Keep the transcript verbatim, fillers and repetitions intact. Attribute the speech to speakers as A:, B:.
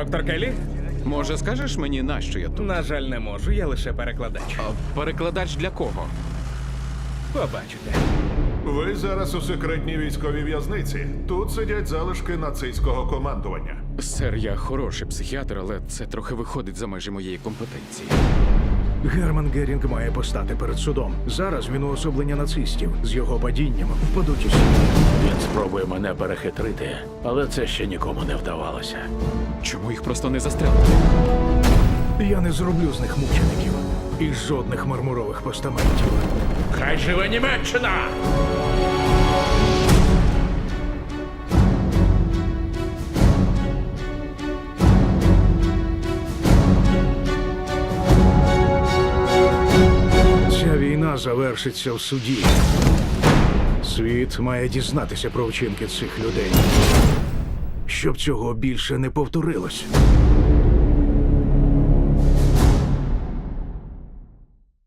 A: доктор Келлі?
B: Може, скажеш мені, нащо я тут?
A: На жаль, не можу, я лише перекладач.
B: А перекладач для кого?
A: Побачите.
C: Ви зараз у секретній військовій в'язниці. Тут сидять залишки нацистського командування.
B: Сер, я хороший психіатр, але це трохи виходить за межі моєї компетенції.
D: Герман Герінг має постати перед судом. Зараз він уособлення нацистів. З його падінням впадуть усі.
E: Він спробує мене перехитрити, але це ще нікому не вдавалося.
B: Чому їх просто не застрелити?
D: Я не зроблю з них мучеників. І жодних мармурових постаментів.
E: Хай живе Німеччина!
D: Ця війна завершиться в суді. Світ має дізнатися про вчинки цих людей. Щоб цього більше не повторилось.